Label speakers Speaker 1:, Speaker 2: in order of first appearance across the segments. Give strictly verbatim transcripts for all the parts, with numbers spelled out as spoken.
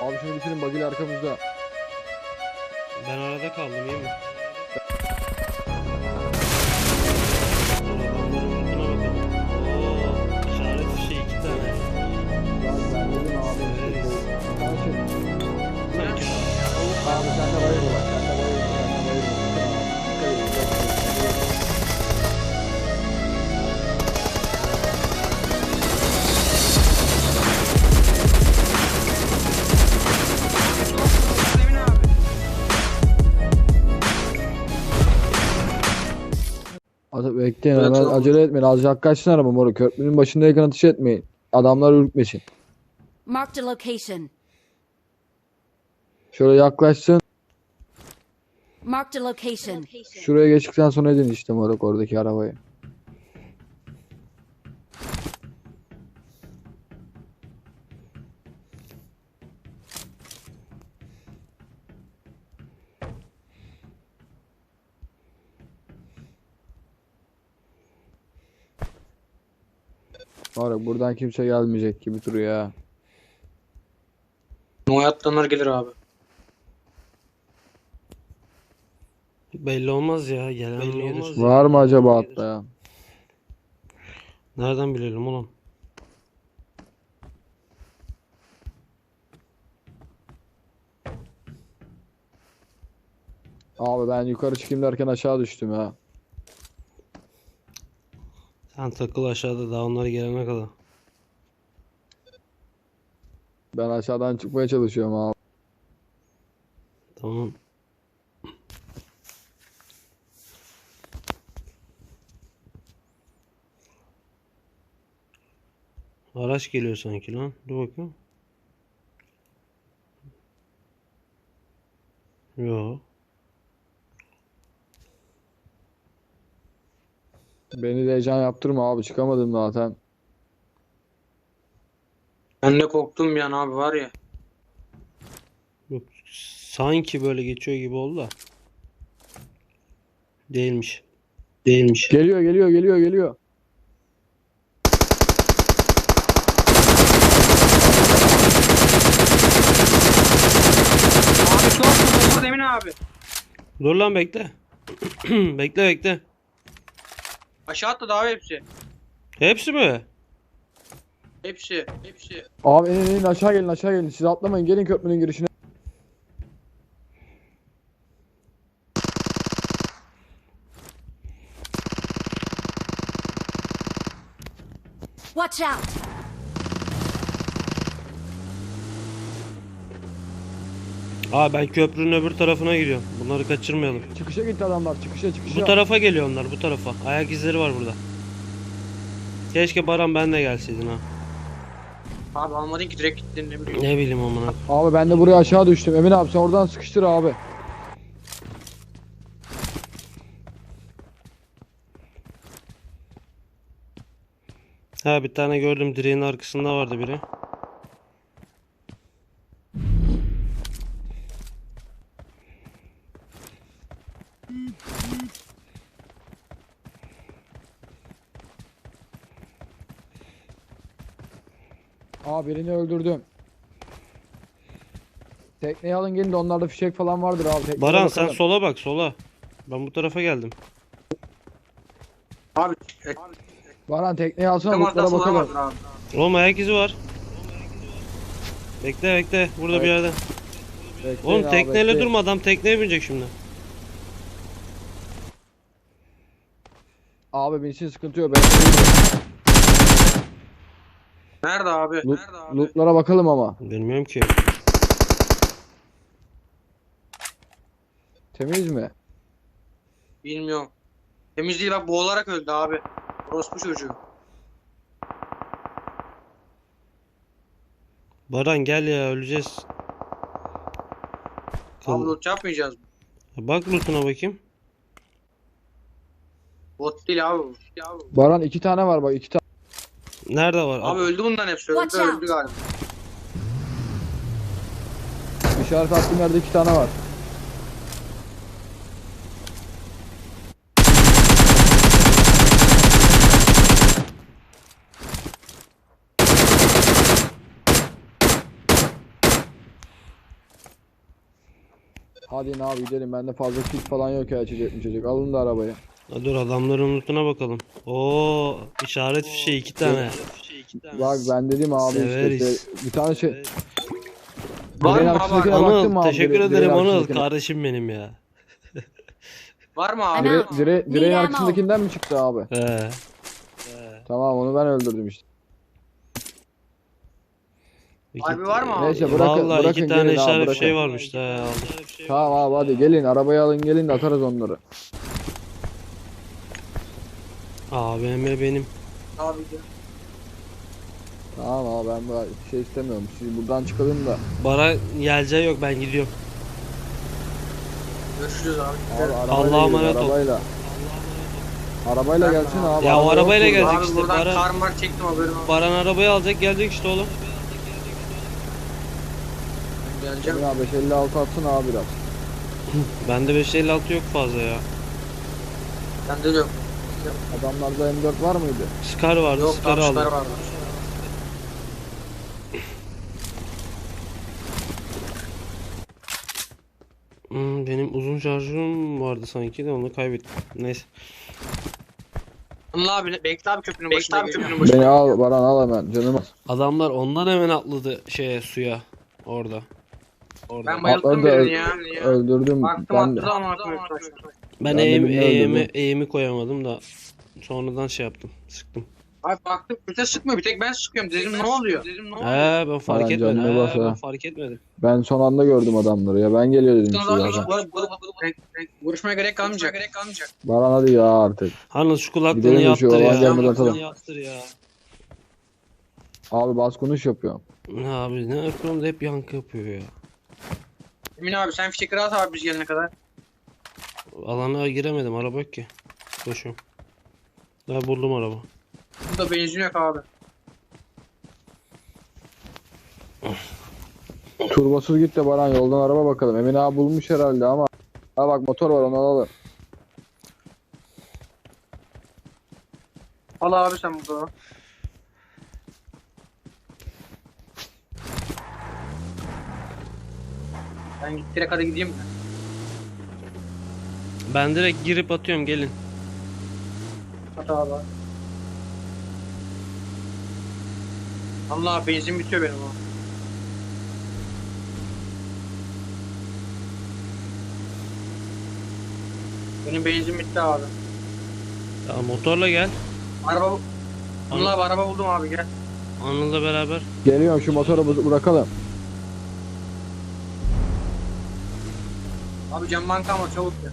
Speaker 1: Abi şunu bitirin, bagil arkamızda.
Speaker 2: Ben arada kaldım, iyi mi? Oo, işaret fişeği iki tane.
Speaker 1: Ya ben dedim abi.
Speaker 2: Evet.
Speaker 1: Sanki. Abi sen de bayılma bak. Sen de bayılma. Sen de bayılma. Dikkat edin. Hadi bekleyin,
Speaker 3: Evet,
Speaker 1: hemen
Speaker 3: tamam.
Speaker 1: acele etmeyin. Azıcık kaçsın araba moruk. Köprünün başındayken ateş etmeyin. Adamlar ürkmesin.
Speaker 4: Marked a location.
Speaker 1: Şöyle yaklaşsın.
Speaker 4: Marked a location.
Speaker 1: Şuraya geçtikten sonra edin işte moruk oradaki arabayı. Moruk buradan kimse gelmeyecek gibi duruyor ya.
Speaker 3: O hayattanlar gelir abi.
Speaker 2: Belli olmaz ya, gelen mi gelir?
Speaker 1: Var mı acaba hatta ya?
Speaker 2: Nereden bilelim oğlum?
Speaker 1: Abi ben yukarı çıkayım derken aşağı düştüm ya.
Speaker 2: Sen takıl aşağıda, daha onlar gelene kadar.
Speaker 1: Ben aşağıdan çıkmaya çalışıyorum abi.
Speaker 2: Tamam. Araç geliyor sanki lan. Dur bakayım. Yo.
Speaker 1: Beni de heyecan yaptırma abi, çıkamadım zaten.
Speaker 3: Ben de korktum bir an abi var ya.
Speaker 2: Yok, sanki böyle geçiyor gibi oldu da. Değilmiş. Değilmiş.
Speaker 1: Geliyor geliyor geliyor geliyor.
Speaker 3: Abi çok korktum Emin abi.
Speaker 2: Dur lan, bekle. Bekle bekle.
Speaker 3: Aşağı atladı abi hepsi.
Speaker 2: Hepsi mi?
Speaker 3: Hepsi. Hepsi.
Speaker 1: Abi inin inin, aşağı gelin aşağı gelin. Siz atlamayın, gelin köprünün girişine.
Speaker 4: Watch out!
Speaker 2: Aa, ben köprünün öbür tarafına gidiyorum. Bunları kaçırmayalım.
Speaker 1: Çıkışa gitti adamlar, çıkışa çıkışa.
Speaker 2: Bu tarafa geliyor onlar, bu tarafa. Ayak izleri var burada. Keşke Baran ben de gelseydin ha.
Speaker 3: Abi almadın ki direkt gittin ne bileyim.
Speaker 2: Ne bileyim amına.
Speaker 1: Abi ben de buraya aşağı düştüm. Emin abi sen oradan sıkıştır abi.
Speaker 2: Ha, bir tane gördüm, direğin arkasında vardı biri.
Speaker 1: Abi birini öldürdüm. Tekneyi alın gelin de onlarda fişek falan vardır abi. Tekneye
Speaker 2: Baran sen
Speaker 1: bakalım.
Speaker 2: sola bak, sola. Ben bu tarafa geldim.
Speaker 3: Abi. E,
Speaker 1: Baran tekneyi alsana,
Speaker 3: tam
Speaker 1: lootlara
Speaker 3: arkasında
Speaker 1: bakalım.
Speaker 3: vardır abi.
Speaker 2: Oğlum ayak izi var. Bekle bekle, burada bir
Speaker 1: Evet.
Speaker 2: yerde.
Speaker 1: Bekleyin
Speaker 2: Oğlum
Speaker 1: abi,
Speaker 2: tekneyle
Speaker 1: bekleyin.
Speaker 2: durma, adam tekneye binecek şimdi.
Speaker 1: Abi binsin, sıkıntı yok. Ben
Speaker 3: Nerede abi?
Speaker 1: Loot,
Speaker 3: Nerede abi?
Speaker 1: lootlara bakalım ama.
Speaker 2: Bilmiyorum ki.
Speaker 1: Temiz mi?
Speaker 3: Bilmiyorum. Temiz değil bak, boğularak öldü abi. Orospu çocuğu.
Speaker 2: Baran gel ya, öleceğiz.
Speaker 3: Abi
Speaker 2: Kıl-
Speaker 3: loot yapmayacağız mı?
Speaker 2: Bak lootuna bakayım.
Speaker 3: Bot değil abi. bu. Abi,
Speaker 1: Baran iki tane var bak, iki tane.
Speaker 2: Nerede var?
Speaker 3: abi öldü bundan hepsi. Öldü
Speaker 4: Watch out.
Speaker 3: öldü galiba.
Speaker 1: İşaret attığım yerde iki tane var. Hadi ne abi gidelim. Bende fazla kit falan yok ya, içecek mi içecek. Alın da arabayı.
Speaker 2: Ha, dur adamların lootuna bakalım. Oo işaret fişeği iki tane.
Speaker 1: Bak ben dedim abi işte,
Speaker 2: Severiz.
Speaker 1: işte bir tane şey.
Speaker 3: Var
Speaker 1: Direğin
Speaker 3: mı abi?
Speaker 1: arkasındakine baktın
Speaker 2: Anıl
Speaker 1: mı abi?
Speaker 2: teşekkür
Speaker 1: Dire-
Speaker 2: ederim
Speaker 1: direğin
Speaker 2: Anıl.
Speaker 1: arkasındakine.
Speaker 2: Kardeşim benim ya.
Speaker 3: Var mı abi?
Speaker 1: Dire, dire, direğin
Speaker 4: Need ammo.
Speaker 1: arkasındakinden mi çıktı abi?
Speaker 2: He.
Speaker 1: Tamam, onu ben öldürdüm işte.
Speaker 2: İki-
Speaker 3: Harbi var mı abi?
Speaker 1: Neyse bırakın,
Speaker 2: Vallahi
Speaker 1: bırakın
Speaker 2: iki tane
Speaker 1: gelin abi,
Speaker 2: işaret
Speaker 1: bırakın.
Speaker 2: şey varmış da ya. aldım.
Speaker 1: Tamam abi hadi gelin, arabayı alın gelin de atarız onları.
Speaker 2: A V M benim.
Speaker 3: Abi gel.
Speaker 1: Tamam abi, ben bu şey istemiyorum. Siz buradan çıkalım da.
Speaker 2: Bara yelce yok ben gidiyorum.
Speaker 3: Görüşürüz abi.
Speaker 1: Abi
Speaker 3: Gidelim.
Speaker 1: arabayla
Speaker 2: Allah'a
Speaker 1: gelin,
Speaker 2: emanet ol.
Speaker 1: arabayla. Arabayla gelsin abi.
Speaker 2: Ya o
Speaker 1: araba
Speaker 2: arabayla
Speaker 1: yok burada.
Speaker 2: gelecek
Speaker 3: Abi
Speaker 2: işte,
Speaker 3: buradan
Speaker 2: Baran-
Speaker 3: kar mar çektim haberin olsun.
Speaker 2: Baran arabayı alacak gelecek işte oğlum.
Speaker 3: Geleceğim.
Speaker 1: Emin abi beş elli altı atsın abi biraz.
Speaker 2: Bende beş elli altı yok fazla ya.
Speaker 3: Bende de yok.
Speaker 1: Adamlarda M dört var mıydı?
Speaker 2: Scar vardı,
Speaker 3: Yok
Speaker 2: Scar aldım.
Speaker 3: tavşılar vardı.
Speaker 2: Hmm, benim uzun şarjım vardı sanki de onu kaybettim. Neyse.
Speaker 3: Anıl abi bekle abi köprünün başında. Bekle abi köprünün başında.
Speaker 1: Beni al Baran, al hemen canım.
Speaker 2: Adamlar ondan hemen atladı şeye suya orada. Orada.
Speaker 3: Ben bayıldım
Speaker 1: Atladı da
Speaker 3: birini ya.
Speaker 1: öldürdüm.
Speaker 3: Baktım
Speaker 1: Ben de.
Speaker 3: attı ama atmıyor.
Speaker 2: Ben
Speaker 1: Ben de
Speaker 2: eğim,
Speaker 1: birini
Speaker 2: eğimi,
Speaker 1: öldürdüm.
Speaker 2: eğimi koyamadım da sonradan şey yaptım. Sıktım.
Speaker 3: Abi baktım öte sıkmıyor bir tek ben sıkıyorum dedim ne oluyor? Dedim ne oluyor?
Speaker 2: He ben fark
Speaker 1: Aman
Speaker 2: etmedim.
Speaker 1: canına
Speaker 2: He,
Speaker 1: bak
Speaker 2: ben
Speaker 1: ha.
Speaker 2: fark etmedim.
Speaker 1: Ben son anda gördüm adamları ya. Ben geliyor dedim size
Speaker 3: Sonra
Speaker 1: zaten.
Speaker 3: Vuruşmaya gerek kalmayacak. Gerek kalmayacak.
Speaker 1: Baran hadi ya artık.
Speaker 2: Hanım şu kulaklığını
Speaker 1: Gidelim de şu
Speaker 2: yaptır ya.
Speaker 1: olan gelmeden atalım.
Speaker 2: Kulaklığını yaptır ya.
Speaker 1: Abi bas konuş yapıyorum.
Speaker 2: Ne abi ne yapıyorum da hep yankı yapıyor ya.
Speaker 3: Emin abi sen fişekleri at abi biz gelene kadar.
Speaker 2: Alana giremedim araba yok ki. Koşuyorum. Ben buldum araba.
Speaker 3: Burada benzin yok abi.
Speaker 1: Turbosuz git de Baran, yoldan araba bakalım. Emin abi bulmuş herhalde ama. Ha bak motor var, onu alalım.
Speaker 3: Al abi sen burada. Ben git direkt hadi gideyim mi?
Speaker 2: Ben direkt girip atıyorum gelin.
Speaker 3: At abi. Allah benzin bitiyor benim o. Benim benzin bitti abi.
Speaker 2: Ya motorla gel.
Speaker 3: Araba Allah abi araba buldum abi gel.
Speaker 2: Anıl'la beraber.
Speaker 1: Geliyorum, şu motoru bu- bırakalım.
Speaker 3: Abi cam banka ama çabuk gel.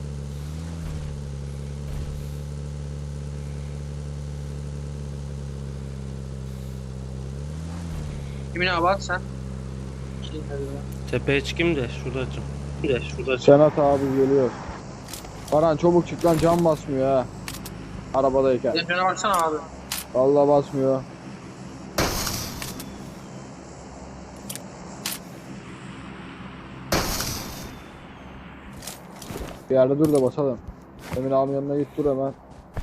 Speaker 3: Kimin abi at sen? Şey, hadi ya.
Speaker 2: Tepeye çıkayım da şurada açayım. De şurada açayım.
Speaker 1: Senat abi geliyor. Baran çabuk çık lan, cam basmıyor ha. Arabadayken.
Speaker 3: Sen şuna baksana abi.
Speaker 1: Vallahi basmıyor. Bir yerde dur da basalım. Emin abinin yanına git, dur hemen.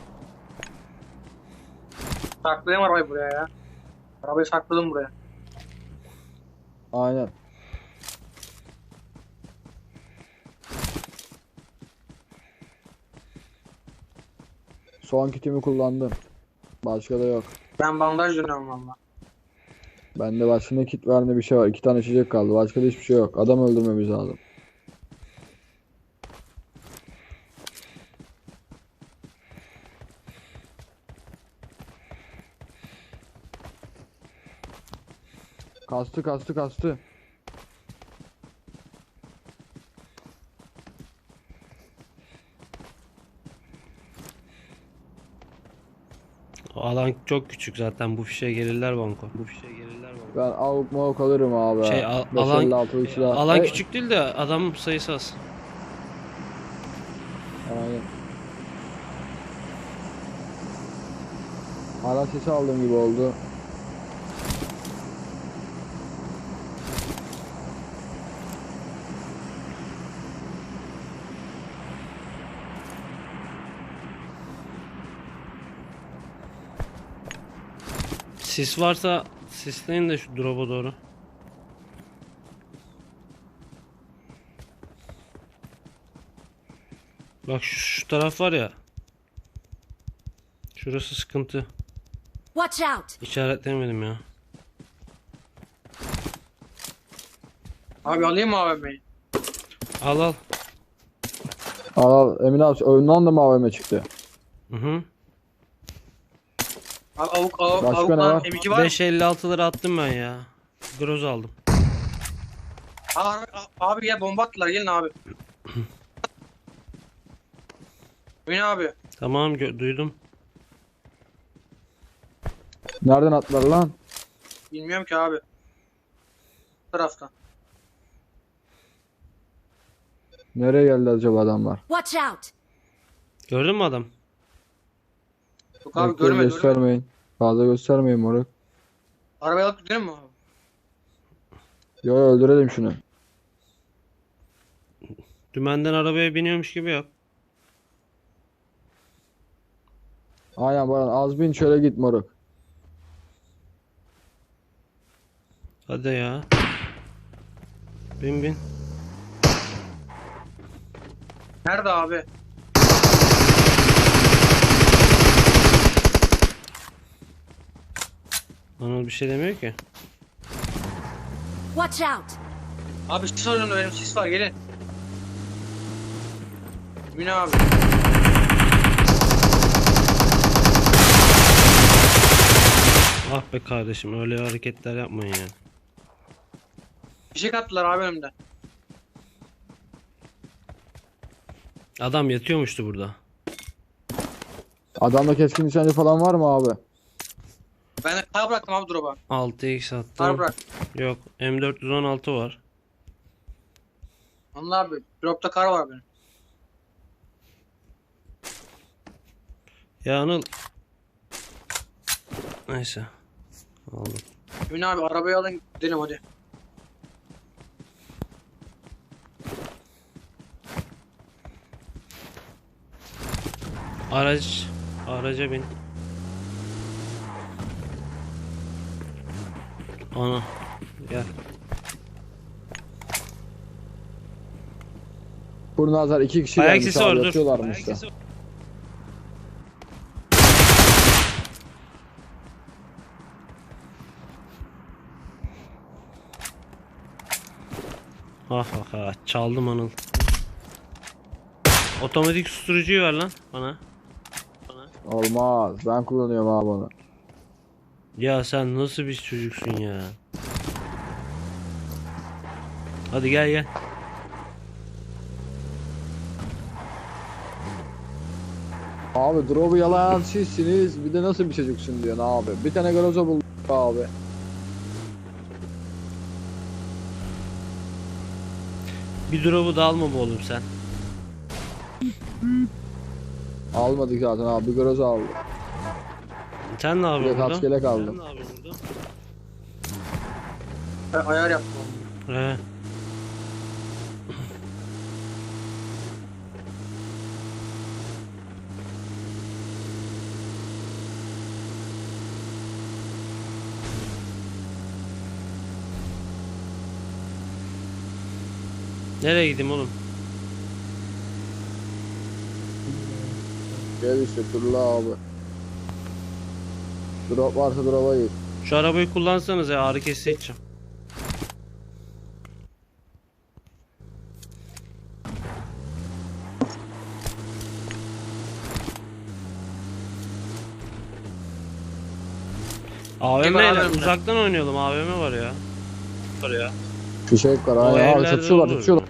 Speaker 3: Saklayayım arabayı buraya ya. Arabayı sakladım buraya.
Speaker 1: Aynen. Son kitimi kullandım. Başka da yok.
Speaker 3: Ben bandaj dönüyorum valla.
Speaker 1: Bende başka ne kit var ne bir şey var. İki tane içecek kaldı. Başka da hiçbir şey yok. Adam öldürmemiz lazım. Kastı kastı kastı.
Speaker 2: Alan çok küçük zaten bu fişe gelirler banko. Bu fişe gelirler banko.
Speaker 1: Ben avuk mavuk alırım abi.
Speaker 2: Şey, al-
Speaker 1: beş
Speaker 2: alan-
Speaker 1: elli altı silah.
Speaker 2: Alan
Speaker 1: Hey,
Speaker 2: küçük değil de adam sayısı az.
Speaker 1: Aynen. Hala sesi aldığım gibi oldu.
Speaker 2: Sis varsa sisleyin de şu drop'a doğru. Bak şu, şu taraf var ya. Şurası sıkıntı.
Speaker 4: Watch out!
Speaker 2: İşaretlemedim ya.
Speaker 3: Abi alayım mı A V M'yi?
Speaker 2: Al al.
Speaker 1: Al al Emin abi önünden de mi A V M çıktı?
Speaker 2: Hı hı.
Speaker 3: Abi avuk avuk
Speaker 1: Başka
Speaker 3: avuk
Speaker 1: ne
Speaker 3: lan
Speaker 1: var?
Speaker 3: M iki var mı?
Speaker 2: beş elli altıları attım ben ya. Groz aldım.
Speaker 3: Abi, abi gel bomba attılar gelin abi. Emin abi.
Speaker 2: Tamam gö- duydum.
Speaker 1: Nereden attılar lan?
Speaker 3: Bilmiyorum ki abi. Bu taraftan.
Speaker 1: Nereye geldi acaba adamlar?
Speaker 4: Watch out!
Speaker 2: Gördün mü adam?
Speaker 3: Yok abi
Speaker 1: Bekle,
Speaker 3: görmedim.
Speaker 1: göstermeyin. Fazla göstermeyin moruk.
Speaker 3: Arabayı alıp gidelim mi abi?
Speaker 1: Yo öldürelim şunu.
Speaker 2: Dümenden arabaya biniyormuş gibi yap.
Speaker 1: Aynen Baran az bin şöyle git moruk.
Speaker 2: Hadi ya. Bin bin.
Speaker 3: Nerede abi?
Speaker 2: Anıl bir şey demiyor ki.
Speaker 4: Watch out!
Speaker 3: Abi sis önümde benim sis var gelin. Emin abi.
Speaker 2: Ah be kardeşim öyle hareketler yapmayın ya.
Speaker 3: Fişek attılar abi önümde.
Speaker 2: Adam yatıyormuştu burada.
Speaker 1: Adamda keskin nişancı falan var mı abi?
Speaker 3: Ben de kar bıraktım abi drop'a.
Speaker 2: altı x
Speaker 3: Kar
Speaker 2: attım.
Speaker 3: bırak.
Speaker 2: Yok M dört yüz on altı var.
Speaker 3: Allah abi drop'ta kar var benim.
Speaker 2: Ya Anıl. Neyse. Aldım.
Speaker 3: Emin abi arabayı alın gidelim hadi.
Speaker 2: Araç. Araca bin. Ana. Gel.
Speaker 1: Kurnazlar iki kişi
Speaker 2: Ayak
Speaker 1: gelmiş
Speaker 2: sesi
Speaker 1: abi
Speaker 2: var dur.
Speaker 1: yatıyorlarmış
Speaker 2: Ayak
Speaker 1: da.
Speaker 2: sesi var. Ha ha ha çaldım Anıl. Otomatik susturucuyu ver lan bana.
Speaker 1: Olmaz. Ben kullanıyorum abi onu.
Speaker 2: Ya sen nasıl bir çocuksun ya. Hadi gel gel.
Speaker 1: Abi drop'u yalayan sizsiniz. Bir de nasıl bir çocuksun diyorsun abi. Bir tane garoza bulduk abi.
Speaker 2: Bir drop'u da alma be oğlum sen.
Speaker 1: Almadık zaten abi. Bir garoza aldık.
Speaker 2: Sen ne
Speaker 1: Bir de
Speaker 2: yapıyorsun burada?
Speaker 1: kaskelek aldım.
Speaker 2: Sen ne yapıyorsun burada?
Speaker 3: Ben ayar yaptım.
Speaker 2: He. Nereye gideyim oğlum?
Speaker 1: Gel işte turla abi. Drop varsa drop'a git.
Speaker 2: Şu arabayı kullansanız ya ağrı kesici içeceğim. A V M
Speaker 3: Kim var
Speaker 2: ile
Speaker 3: A V M'de?
Speaker 2: uzaktan oynayalım. A V M var ya. Var ya.
Speaker 1: Fişek var.
Speaker 2: O
Speaker 1: Aynen abi
Speaker 2: evlerde
Speaker 1: çatışıyorlar
Speaker 2: olur.
Speaker 1: çatışıyorlar.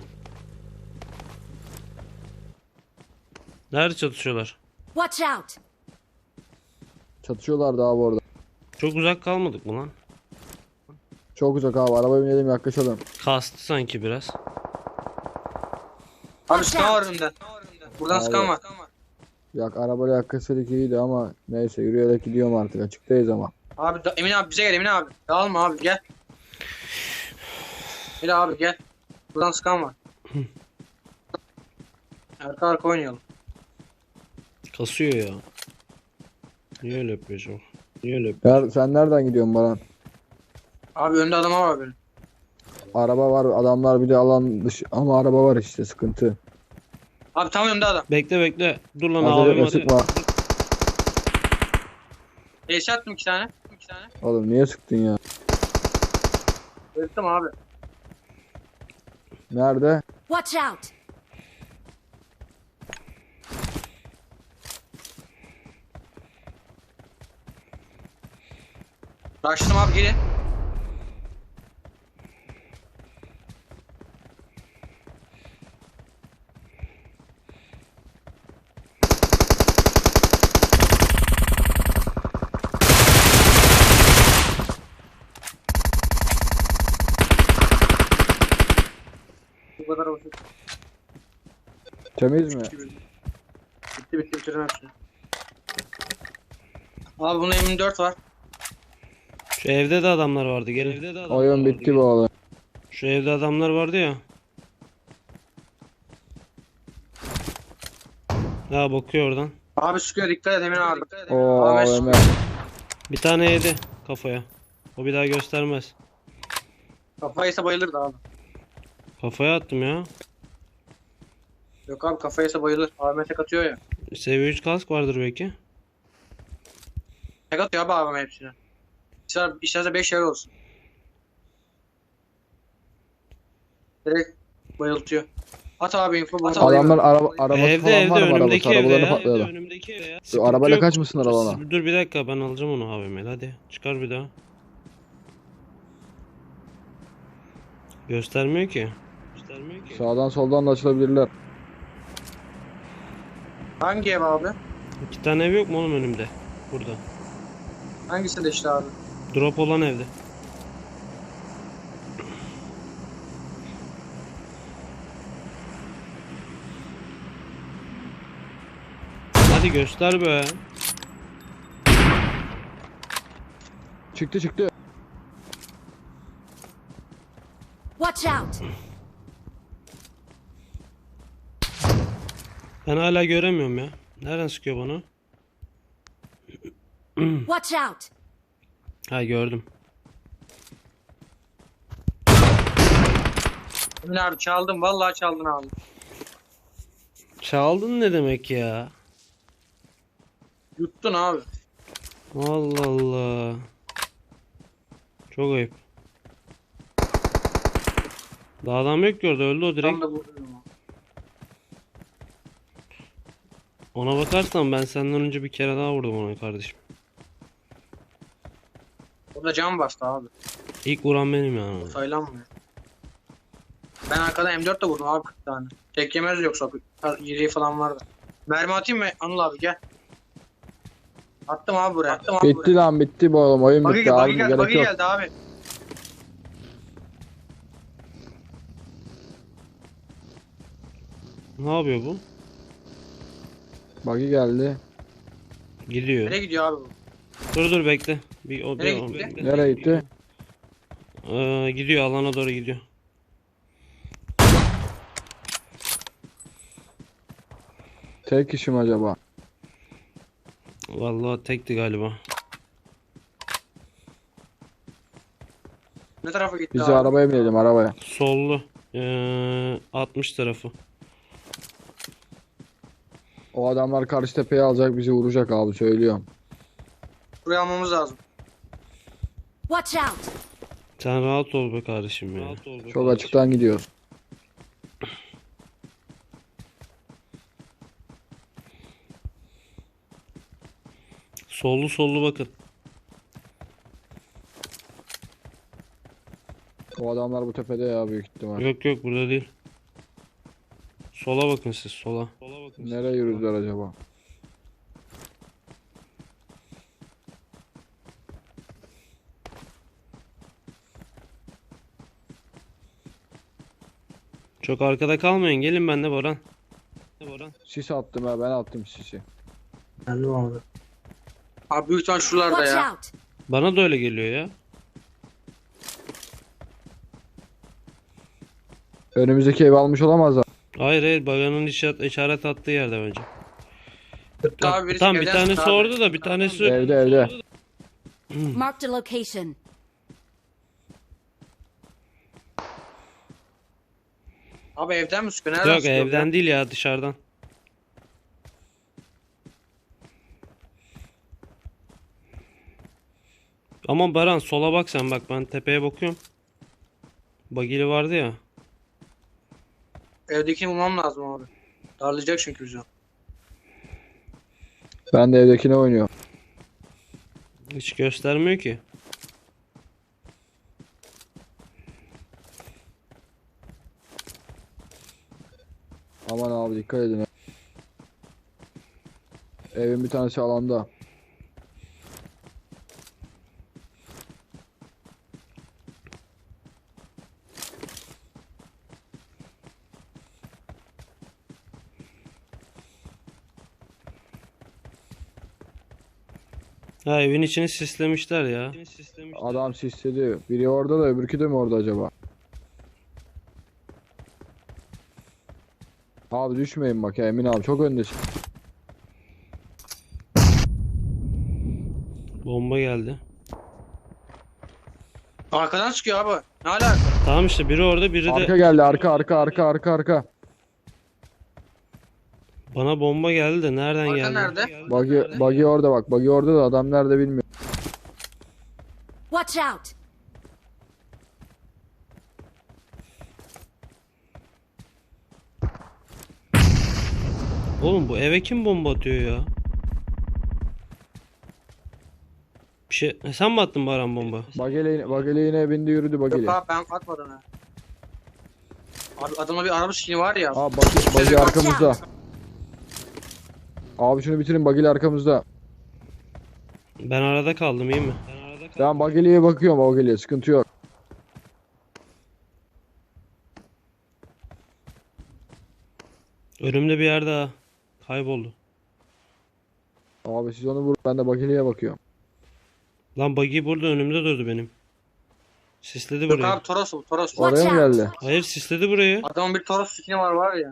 Speaker 2: Nerede çatışıyorlar?
Speaker 4: Watch out!
Speaker 1: Çatışıyorlar da abi orada.
Speaker 2: Çok uzak kalmadık mı lan?
Speaker 1: Çok uzak abi. Arabaya binelim yaklaşalım.
Speaker 2: Kastı sanki biraz.
Speaker 3: Abi skan var önümde. Buradan
Speaker 1: Abi.
Speaker 3: skan var.
Speaker 1: Yak arabayla yaklaşsaydık iyiydi ama neyse yürüyerek gidiyorum artık açıktayız ama.
Speaker 3: Abi da, Emin abi bize gel Emin abi. Dağılma abi gel. Gel abi gel. Buradan skan var. Arka arka oynayalım.
Speaker 2: Kasıyor ya. Niye öyle yapıyorsun? Niye öyle yapıyorsun?
Speaker 1: Ya sen nereden gidiyorsun Baran?
Speaker 3: Abi önde adam var benim.
Speaker 1: Araba var adamlar bir de alan dışı ama araba var işte sıkıntı.
Speaker 3: Abi tam önümde adam.
Speaker 2: Bekle bekle. Dur lan
Speaker 1: Acele
Speaker 2: abim
Speaker 1: etme
Speaker 2: hadi.
Speaker 1: sıkma.
Speaker 3: Eşe attım iki tane. iki tane.
Speaker 1: Oğlum niye sıktın ya?
Speaker 3: Öldüm abi.
Speaker 1: Nerede?
Speaker 4: Watch out!
Speaker 3: Raştım abi gelin. Bu kadar basit.
Speaker 1: Temiz mi?
Speaker 3: Bitti bitti bitirdim hepsini. Abi bunun M dört var.
Speaker 2: Şu evde de adamlar vardı. Gel. Evde de adamlar
Speaker 1: Oyun
Speaker 2: vardı,
Speaker 1: bitti
Speaker 2: gel.
Speaker 1: bu oğlum.
Speaker 2: Şu evde adamlar vardı ya. Ha bakıyor oradan.
Speaker 3: Abi sıkıyor dikkat et Emin abi.
Speaker 1: Oo
Speaker 3: Abi,
Speaker 1: A V M.
Speaker 2: Bir tane yedi kafaya. O bir daha göstermez.
Speaker 3: Kafaysa bayılırdı abi.
Speaker 2: Kafaya attım ya.
Speaker 3: Yok abi kafaysa bayılır. A V M tek atıyor ya.
Speaker 2: Seviye üç kask vardır belki.
Speaker 3: Tek atıyor abi A V M hepsine. İster, isterse beş yer olsun. Direkt bayıltıyor. At abi info. At abi.
Speaker 1: Adamlar araba, arabası
Speaker 2: Evde
Speaker 1: falan
Speaker 2: evde
Speaker 1: var mı arabası?
Speaker 2: önümdeki evde
Speaker 1: Arabalarını
Speaker 2: ya. Evde
Speaker 1: patladı.
Speaker 2: önümdeki evde ya.
Speaker 1: Şu
Speaker 2: Sıkıntı
Speaker 1: arabayla
Speaker 2: yok.
Speaker 1: kaçmışsın arabana.
Speaker 2: Dur bir dakika ben alacağım onu A V M'yle hadi. Çıkar bir daha. Göstermiyor ki. Göstermiyor ki.
Speaker 1: Sağdan soldan da açılabilirler.
Speaker 3: Hangi ev abi?
Speaker 2: İki tane ev yok mu oğlum önümde? Burada.
Speaker 3: Hangisinde işte abi?
Speaker 2: Drop olan evde. Hadi göster be.
Speaker 1: Çıktı çıktı.
Speaker 4: Watch out!
Speaker 2: Ben hala göremiyorum ya. Nereden sıkıyor bana?
Speaker 4: Watch out!
Speaker 2: Ha gördüm.
Speaker 3: Emin abi çaldım. Vallahi çaldın abi.
Speaker 2: Çaldın ne demek ya?
Speaker 3: Yuttun abi.
Speaker 2: Allah Allah. Çok ayıp. Daha adam yok ki orada öldü o direkt.
Speaker 3: Tam da vurdum.
Speaker 2: Ona bakarsan ben senden önce bir kere daha vurdum ona kardeşim.
Speaker 3: Orada cam bastı abi.
Speaker 2: İlk vuran benim yani.
Speaker 3: Saylanmıyor. Ben arkadan M dört de vurdum abi kırk tane. Tek yemez yoksa yediği falan vardı. Mermi atayım mı Anıl abi gel. Attım abi buraya. Attım abi
Speaker 1: Bitti
Speaker 3: buraya.
Speaker 1: lan bitti bu oğlum. Oyun
Speaker 3: Buggy,
Speaker 1: bitti
Speaker 3: buggy
Speaker 1: abi.
Speaker 3: geldi,
Speaker 1: Gerek
Speaker 3: buggy
Speaker 1: yok.
Speaker 3: geldi abi.
Speaker 2: Ne yapıyor bu?
Speaker 1: Buggy geldi.
Speaker 2: Gidiyor.
Speaker 3: Nereye gidiyor abi bu?
Speaker 2: Dur dur bekle. Bir, o,
Speaker 3: Nereye
Speaker 2: bir- o-
Speaker 3: gitti?
Speaker 2: bekle.
Speaker 1: Nereye gitti?
Speaker 2: Ee, gidiyor alana doğru gidiyor.
Speaker 1: Tek kişi mi acaba?
Speaker 2: Vallahi tekti galiba.
Speaker 3: Ne tarafa gitti
Speaker 1: Bizi
Speaker 3: abi?
Speaker 1: arabaya binelim arabaya.
Speaker 2: Sollu. Ee, altmış tarafı.
Speaker 1: O adamlar karşı tepeye alacak bizi vuracak abi söylüyorum.
Speaker 3: Buraya almamız lazım.
Speaker 4: Watch out!
Speaker 2: Sen rahat ol be kardeşim ya.
Speaker 1: Çok açıktan gidiyoruz.
Speaker 2: Sollu sollu bakın.
Speaker 1: O adamlar bu tepede ya büyük ihtimal.
Speaker 2: Yok yok burada değil. Sola bakın siz sola. Sola bakın.
Speaker 1: Nereye yürüdüler acaba?
Speaker 2: Çok arkada kalmayın. Gelin benimle Boran. Boran.
Speaker 1: Sis attım ha ben attım sisi.
Speaker 3: Geldim abi. Abi büyük ihtimal şuralarda
Speaker 4: Watch
Speaker 3: ya.
Speaker 4: out!
Speaker 2: Bana da öyle geliyor ya.
Speaker 1: Önümüzdeki evi almış olamazlar.
Speaker 2: Hayır hayır baganın işaret, işaret attığı yerde bence.
Speaker 3: Tıpkı abi birisi
Speaker 2: Tam bir
Speaker 3: evden
Speaker 2: tanesi
Speaker 3: sıktı abi.
Speaker 2: orada da bir tanesi
Speaker 1: Evde evde.
Speaker 4: Marked a location.
Speaker 3: Abi evden mi sıkıyor? Nereden
Speaker 2: yok
Speaker 3: sıkıyor?
Speaker 2: evden değil ya dışarıdan. Ama Baran sola bak sen, bak ben tepeye bakıyorum. Bagili vardı ya.
Speaker 3: Evdekini bulmam lazım abi. Darlayacak çünkü bizi.
Speaker 1: Ben de evdekine oynuyorum.
Speaker 2: Hiç göstermiyor ki.
Speaker 1: Aman abi dikkat edin. Evin bir tanesi alanda.
Speaker 2: Ha, evin içini sislemişler ya.
Speaker 1: Adam sisledi. Biri orada da öbürkü de mi orada acaba? Abi düşmeyin bak ya Emin abi çok öndesin.
Speaker 2: Bomba geldi.
Speaker 3: Arkadan çıkıyor abi. Ne alaka?
Speaker 2: Tamam işte, biri orada, biri
Speaker 1: Arka
Speaker 2: de
Speaker 1: geldi arka arka arka arka arka.
Speaker 2: bana bomba geldi de nereden
Speaker 3: Arka
Speaker 2: geldi?
Speaker 3: nerede?
Speaker 1: Buggy, buggy orada bak. Buggy orada da adam nerede bilmiyorum.
Speaker 4: Watch out!
Speaker 2: Oğlum bu eve kim bomba atıyor ya? Bir şey, e, sen mi attın Baran bomba?
Speaker 1: Buggy'le buggy'le yine bindi yürüdü buggy'le.
Speaker 3: Yok abi ben atmadım ha. Abi adamda bir araba skini var ya.
Speaker 1: Abi buggy, buggy arkamızda. Abi şunu bitirin buggy'le arkamızda.
Speaker 2: Ben arada kaldım, iyi mi? Ben arada kaldım.
Speaker 1: Ben buggy'liye bakıyorum buggy'liye sıkıntı yok.
Speaker 2: Önümde bir yerde daha kayboldu.
Speaker 1: Abi siz onu vurun ben de buggy'liye bakıyorum.
Speaker 2: Lan buggy burada önümde durdu benim. Sisledi
Speaker 3: Yok
Speaker 2: burayı.
Speaker 3: abi Toros bu Toros.
Speaker 4: What?
Speaker 1: Oraya mı geldi?
Speaker 2: Hayır, sisledi burayı.
Speaker 3: Adamın bir Toros skini var var ya.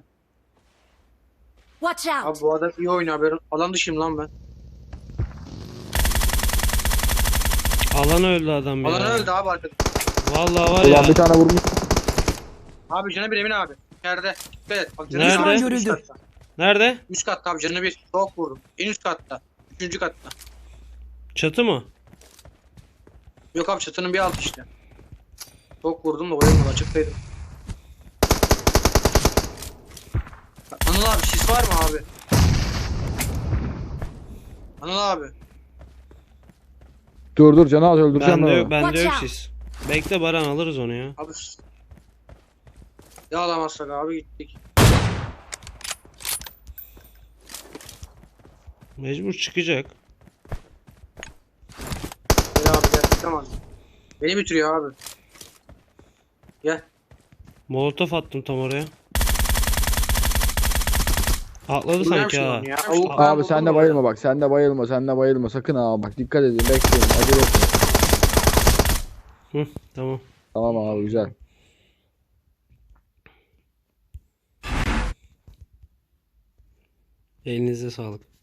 Speaker 4: Watch
Speaker 3: Abi
Speaker 4: out!
Speaker 3: bu adam iyi oynuyor haberin. Alan dışıyım lan ben.
Speaker 2: Alan öldü adam ya.
Speaker 3: Alan öldü abi arkada.
Speaker 2: Vallahi var
Speaker 1: Ulan
Speaker 2: ya.
Speaker 1: bir tane vurmuş.
Speaker 3: Abi canı bir Emin abi. İçeride. Dikkat et. Bak canı
Speaker 2: Nerede?
Speaker 3: bir abi,
Speaker 4: Görüldü.
Speaker 3: üst katta.
Speaker 2: Nerede?
Speaker 3: Üst katta abi canı bir. Çok vurdum. En üst katta. Üçüncü katta.
Speaker 2: Çatı mı?
Speaker 3: Yok abi çatının bir altı işte. Çok vurdum da oyamadı açıktaydım. Anıl abi sis var mı abi? Anıl abi.
Speaker 1: Dur dur canı az öldüreceğim
Speaker 2: Bende
Speaker 1: ben
Speaker 2: yok,
Speaker 1: onu.
Speaker 2: bende yok
Speaker 4: Watch out.
Speaker 2: sis. Bekle Baran, alırız onu ya.
Speaker 3: Abi ya alamazsak abi gittik.
Speaker 2: Mecbur çıkacak.
Speaker 3: Gel abi gel çıkamaz. Beni bitiriyor abi. Gel.
Speaker 2: Molotof attım tam oraya. Atladı
Speaker 3: Dinler
Speaker 2: sanki
Speaker 3: misin
Speaker 2: ha.
Speaker 3: onu ya? Avuk-
Speaker 1: Abi
Speaker 3: ben
Speaker 1: sen de
Speaker 3: buldum
Speaker 1: bayılma bak sen de bayılma sen de bayılma sakın ha bak dikkat edin bekleyin acele etmeyin.
Speaker 2: Hı, tamam.
Speaker 1: Tamam abi güzel.
Speaker 2: Elinize sağlık.